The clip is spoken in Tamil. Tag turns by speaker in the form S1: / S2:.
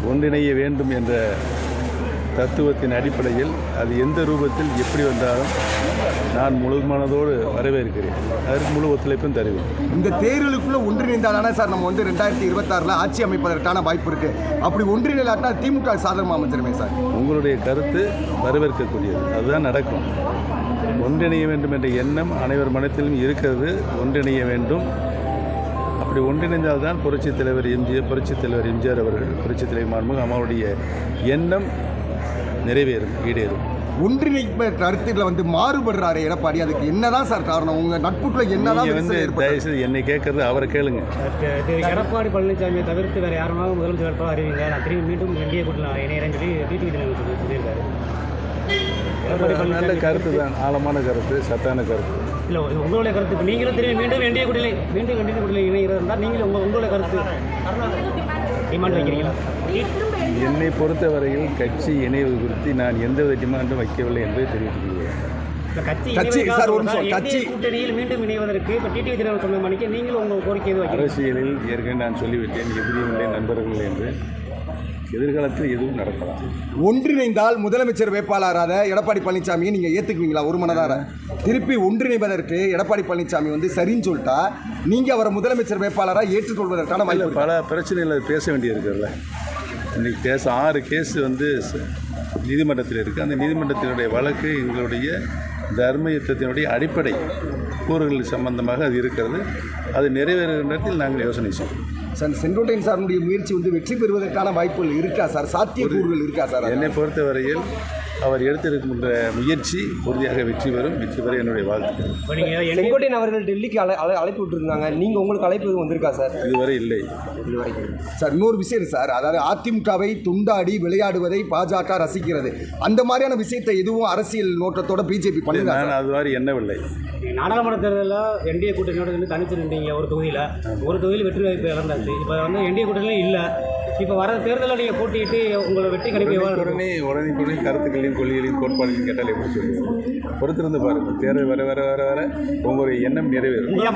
S1: ஒன்றிணைய வேண்டும் என்ற தத்துவத்தின் அடிப்படையில் அது எந்த ரூபத்தில் எப்படி வந்தாலும் நான் முழு மனதோடு வரவேற்கிறேன். அதற்கு முழு ஒத்துழைப்பும் தருவேன்.
S2: இந்த தேர்தலுக்குள்ள ஒன்றிணைந்தாதானே சார் நம்ம 2026 ஆட்சி அமைப்பதற்கான வாய்ப்பு இருக்கு. அப்படி ஒன்றிணைலாட்டா திமுக சாதகமாக அமைஞ்சிருமே சார். உங்களுடைய
S1: கருத்து வரவேற்கக்கூடியது. அதுதான் நடக்கும். ஒன்றிணைய வேண்டும் என்ற எண்ணம் அனைவர் மனத்திலும் இருக்கிறது. ஒன்றிணைய வேண்டும். அப்படி ஒன்றிணைந்தால்தான் புரட்சித் தலைவர் எம்ஜிஆர் அவர்கள், புரட்சித் தலைவர் மாண்புமிகு அம்மாவுடைய எண்ணம் நிறைவேறும், ஈடேறும்.
S2: ஒன்றிணைப்பு கருத்துக்களை மாறுபடுறாரு எடப்பாடி. அதுக்கு என்னதான் சார் காரணம்? உங்க நட்புக்குள்ள என்னதான்
S1: தயவுசெய்து என்னை கேட்கறது அவரை கேளுங்க.
S3: எடப்பாடி பழனிசாமியை தவிர்த்து வேற யாருனாலும் முதலமைச்சர் வேட்பாளர் அறிவிங்க, நான் திரும்பி மீண்டும் என்டிஏ கூட்டணி இணையறேன்னு சொல்லி டிடிவி தினகரன் சொல்லியிருக்காரு.
S1: நல்ல கருத்து தான், ஆழமான கருத்து, சத்தான கருத்து.
S3: இல்லை, உங்களுடைய கருத்து இப்போ நீங்களும் திரும்பி மீண்டும் என்டிஏ கூட்டணி இணைகிறது இருந்தால் நீங்களும் உங்களுடைய கருத்து டிமாண்ட் வைக்கிறீங்களா?
S1: என்னை பொறுத்தவரையில் கட்சி இணைவு குறித்து நான் எந்தவித டிமாண்டும் வைக்கவில்லை என்பதை தெரிவித்துள்ளேன்.
S3: கூட்டணியில் மீண்டும் இணைவதற்கு இப்போ டிடிவி தினகரன் சொன்ன மணிக்கு நீங்களும் உங்கள் கோரிக்கை
S1: அரசியலில் ஏற்கனவே நான் சொல்லிவிட்டேன், எதிரியும் இல்லை நண்பர்கள் என்று. எதிர்காலத்தில் எதுவும் நடக்கலாம்.
S2: ஒன்றிணைந்தால் முதலமைச்சர் வேட்பாளராக எடப்பாடி பழனிசாமியை நீங்கள் ஏற்றுக்குவீங்களா? ஒரு மனதார திருப்பி ஒன்றிணைவதற்கு எடப்பாடி பழனிசாமி சரின்னு சொல்லிட்டா நீங்கள் அவரை முதலமைச்சர் வேட்பாளராக ஏற்றுக்கொள்வதற்கான
S1: பல பிரச்சனைகள் பேச வேண்டியிருக்குல்ல. இன்றைக்கி 6 கேஸ் நீதிமன்றத்தில் இருக்குது. அந்த நீதிமன்றத்தினுடைய வழக்கு எங்களுடைய தர்ம யுத்தத்தினுடைய அடிப்படை கூறுகள் சம்பந்தமாக அது இருக்கிறது. அது நிறைவேறுகிற நேரத்தில் நாங்கள் யோசனை செய்வோம்.
S2: சார், செங்கோட்டையன் சாருடைய முயற்சி வெற்றி பெறுவதற்கான வாய்ப்புகள் இருக்கா சார்? சாத்தியக்கூறுகள் இருக்கா சார்?
S1: என்னை பொறுத்தவரையில் அவர் எடுத்திருக்கின்ற முயற்சி உறுதியாக வெற்றி பெறும். வெற்றி பெற என்னுடைய வாழ்த்துக்கள்.
S3: செங்கோட்டையன் அவர்கள் டெல்லிக்கு அழைப்பு விட்டுருந்தாங்க. நீங்கள் உங்களுக்கு அழைப்பு எதுவும் வந்திருக்கா சார்?
S1: இதுவரை இல்லை.
S2: சார், இன்னொரு விஷயம் சார், அதாவது அதிமுகவை துண்டாடி விளையாடுவதை பாஜக ரசிக்கிறது. அந்த மாதிரியான விஷயத்தை எதுவும் அரசியல் நோக்கத்தோட பிஜேபி பண்ணி
S1: நான் அது மாதிரி எண்ணவில்லை.
S3: நாடாளுமன்ற தேர்தலில் என்டிஏ கூட்டணியோட தனித்து நின்றீங்க. ஒரு தொகுதியில் வெற்றி வாய்ப்பு இழந்தாச்சு. இப்போ என்டிஏ கூட்டணியும் இல்லை. இப்போ வர தேர்தலில் நீங்கள் போட்டியிட்டு உங்களோட வெற்றி கணிப்பு
S1: உடனே கருத்துக்களையும் கொள்கைகளையும் கோட்பாடுகளையும் கேட்டால் எப்படி சொல்லுவோம்? பொறுத்திருந்து பாருங்கள். தேர்தல் வர வர வர வர உங்களுடைய எண்ணம் நிறைவேறும்.